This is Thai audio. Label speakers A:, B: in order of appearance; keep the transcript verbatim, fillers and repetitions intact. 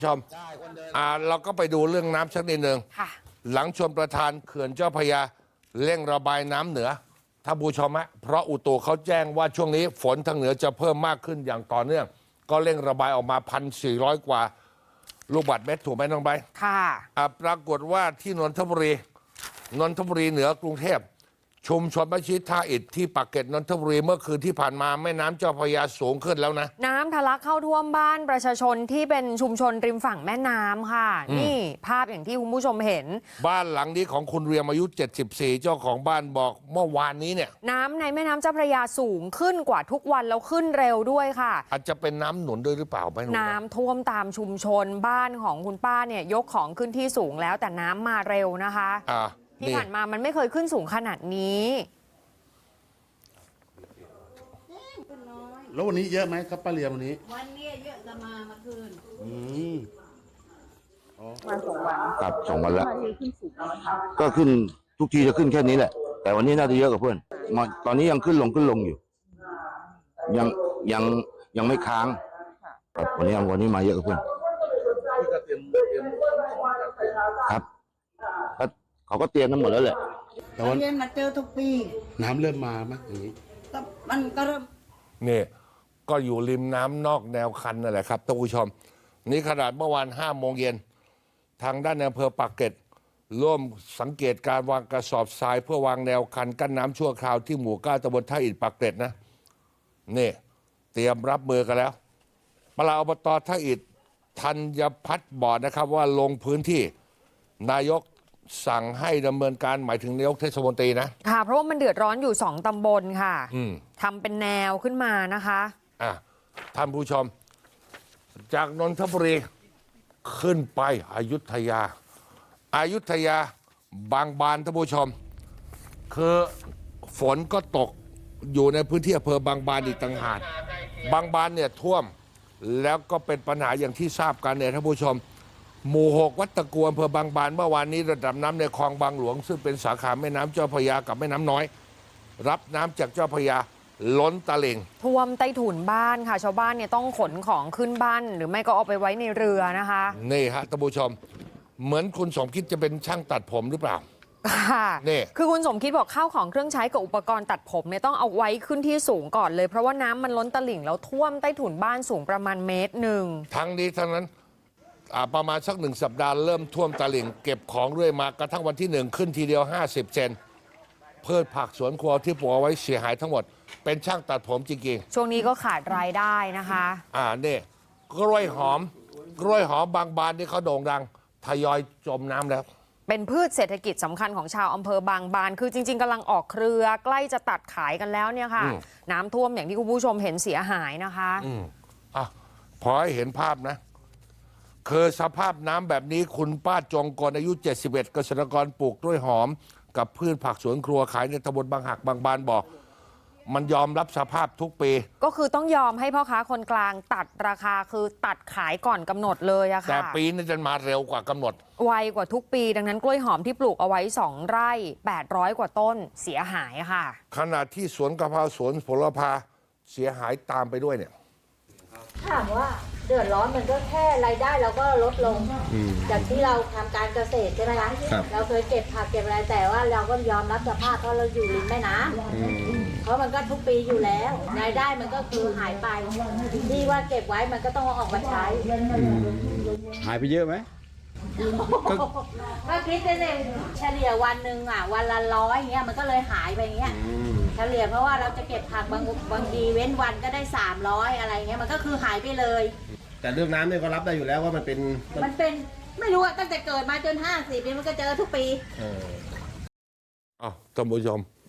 A: ชมอ่าเราก็ไปดูเรื่องน้ำสักนิดหนึ่งหลังชมประธานเขื่อนเจ้าพระยาเร่งระบายน้ำเหนือท่านผู้ชมฮะเพราะอุตุเขาแจ้งว่าช่วงนี้ฝนทางเหนือจะเพิ่มมากขึ้นอย่างต่อเนื่องก็เร่งระบายออกมาพันสี่ร้อยกว่าลูกบาศก์เมตรถูกไหมน้องใบค่ะอ่าปรากฏว่าที่นนทบุรีนนทบุรีเหนือกรุงเทพชุมชนมัสยิดท่าอิฐที่ปากเกร็ดนนทบุรีเมื่อคืนที่ผ่านมาแม่น้ำเจ้าพระยาสูงขึ้นแล้วนะ
B: น้ำทะลักเข้าท่วมบ้านประชาชนที่เป็นชุมชนริมฝั่งแม่น้ำค่ะนี่ภาพอย่างที่คุณผู้ชมเห็น
A: บ้านหลังนี้ของคุณเรียมอายุเจ็ดสิบสี่เจ้าของบ้านบอกเมื่อวานนี้เนี่ย
B: น้ำในแม่น้ำเจ้าพระยาสูงขึ้นกว่าทุกวันแล้วขึ้นเร็วด้วยค่ะ
A: อาจจะเป็นน้ำหนุนด้วยหรือเปล่าไม่รู้
B: น้ำท่วมตามชุมชนบ้านของคุณป้าเนี่ยยกของขึ้นที่สูงแล้วแต่น้ำมาเร็วนะคะที่ผ่านมามันไม่เคยขึ้นสูงขนาดนี้
C: แล้ววันนี้เยอะไหมครับป้าเรียมวันนี้
D: วันนี้เยอะจะมาเมื่อคืน
C: อืม
E: มาสองวัน
F: ครับสองวันแล้ว
E: ขึ้นสูงแล้วค่ะ
F: ก็ขึ้นทุกทีจะขึ้นแค่นี้แหละ แต่วันนี้น่าจะเยอะกว่าเพื่อนตอนนี้ยังขึ้นลงขึ้นลงอยู่ ยังยังยังไม่ค้างครับวันนี้วันนี้มาเยอะกว่าเพื่อนครับเขาก็เตรียมกันหมดแล้วแหละ
D: แต่วันนี้มาเจอทุกปี
C: น้ำเริ่มมาไหมอย่างนี้
D: ก็มันก็เริ่ม
A: นี่ก็อยู่ริมน้ำนอกแนวคันนั่นแหละครับท่านผู้ชมนี่ขนาดเมื่อวานห้าโมงเย็นทางด้านอำเภอปากเกร็ดร่วมสังเกตการวางกระสอบทรายเพื่อวางแนวคันกั้นน้ำชั่วคราวที่หมู่เก้าตำบลท่าอิฐปากเกร็ดนะนี่เตรียมรับมือกันแล้วปลัดอบตท่าอิฐธัญพัฒน์บอกนะครับว่าลงพื้นที่นายกสั่งให้ดำเนินการหมายถึงนายกเทศมนตรีนะ
B: ค่ะเพราะว่ามันเดือดร้อนอยู่สองตำบลค่ะทำเป็นแนวขึ้นมานะคะ
A: อ่ะท่านผู้ชมจากนนทบุรีขึ้นไปอยุธยาอายุทยาบางบานท่านผู้ชมคือฝนก็ตกอยู่ในพื้นที่อำเภอบางบานอีกต่างหากบางบานเนี่ยท่วมแล้วก็เป็นปัญหาอย่างที่ทราบกันเนี่ยท่านผู้ชมหมู่หกวัดตะกัวอำเภอบางบานเมื่อวานนี้ระดับน้ำในคลองบางหลวงซึ่งเป็นสาขาแม่น้ำเจ้าพระยากับแม่น้ำน้อยรับน้ำจากเจ้าพระยาล้นตลิ่ง
B: ท่วมใต้ถุนบ้านค่ะชาวบ้านเนี่ยต้องขนของขึ้นบ้านหรือไม่ก็เอาไปไว้ในเรือนะคะ
A: นี่ฮะท่านผู้ชมเหมือนคุณสมคิดจะเป็นช่างตัดผมหรือเปล่า
B: ค่ะนี่คือคุณสมคิดบอกข้าวของเครื่องใช้กับอุปกรณ์ตัดผมเนี่ยต้องเอาไว้ขึ้นที่สูงก่อนเลยเพราะว่าน้ำมันล้นตลิ่งแล้วท่วมใต้ถุนบ้านสูงประมาณเมตรหนึ่ง
A: ทั้งนี้ทั้งนั้นประมาณสักหนึ่งสัปดาห์เริ่มท่วมตลิ่งเก็บของเรื่อยมากระทั่งวันที่หนึ่งขึ้นทีเดียวห้าสิบเซนพืชผักสวนครัวที่ปลูกเอาไว้เสียหายทั้งหมดเป็นช่างตัดผมจริง
B: ๆช่วงนี้ก็ขาดรายได้นะคะ
A: อ่านี่กล้วยหอมกล้วยหอมบางบานนี่เขาโด่งดังทยอยจมน้ำแล้ว
B: เป็นพืชเศรษฐกิจสำคัญของชาวอำเภอบางบานคือจริงๆกำลังออกเครือใกล้จะตัดขายกันแล้วเนี่ยค่ะน้ำท่วมอย่างที่คุณผู้ชมเห็นเสียหายนะคะ
A: อืมอ่ะพอให้เห็นภาพนะคือสภาพน้ำแบบนี้คุณป้าจงกรอายุเจ็ดสิบเอ็ดเกษตรกรปลูกกล้วยหอมกับพืชผักสวนครัวขายในตำบลบางหักบางบานบอกมันยอมรับสภาพทุกปี
B: ก็คือต้องยอมให้พ่อค้าคนกลางตัดราคาคือตัดขายก่อนกำหนดเลยอะค่ะ
A: แต่ปีนี้จะมาเร็วกว่ากำหนด
B: ไวกว่าทุกปีดังนั้นกล้วยหอมที่ปลูกเอาไว้สองไร่แปดร้อยกว่าต้นเสียหายค่ะ
A: ขณะที่สวนกะเพราสวนผลพาเสียหายตามไปด้วยเนี่ย
D: ถามว่าเดือดร้อนมันก็แค่รายได้เราก็ลดลงจากที่เราทำการเกษตรใช่ไหมคะเราเคยเก็บผักเก็บอะไรแต่ว่าเราก็ยอมรับสภาพเพราะเราอยู่ริมแม่น้ำเพราะมันก็ทุกปีอยู่แล้วรายได้มันก็คือหายไปที่ว่าเก็บไว้มันก็ต้องออกมาใช้
C: หายไปเยอะไหม
D: ก็คิดได้เลยเฉลี่ยวันหนึ่งอ่ะวันละร้อยเงี้ยมันก็เลยหายไปเงี้ยเฉลี่ยเพราะว่าเราจะเก็บผักบางบางทีเว้นวันก็ได้สามร้อยอะไรเงี้ยมันก็คือหายไปเลย
C: แต่เรื่องน้ำเนี่ยก็รับได้อยู่แล้วว่ามันเป็น
D: มันเป็นไม่รู้อะตั้งแต่เกิดมาจนห้าสิบปีมันก็เจอทุกปี
A: อ้าวท่านผู้ชม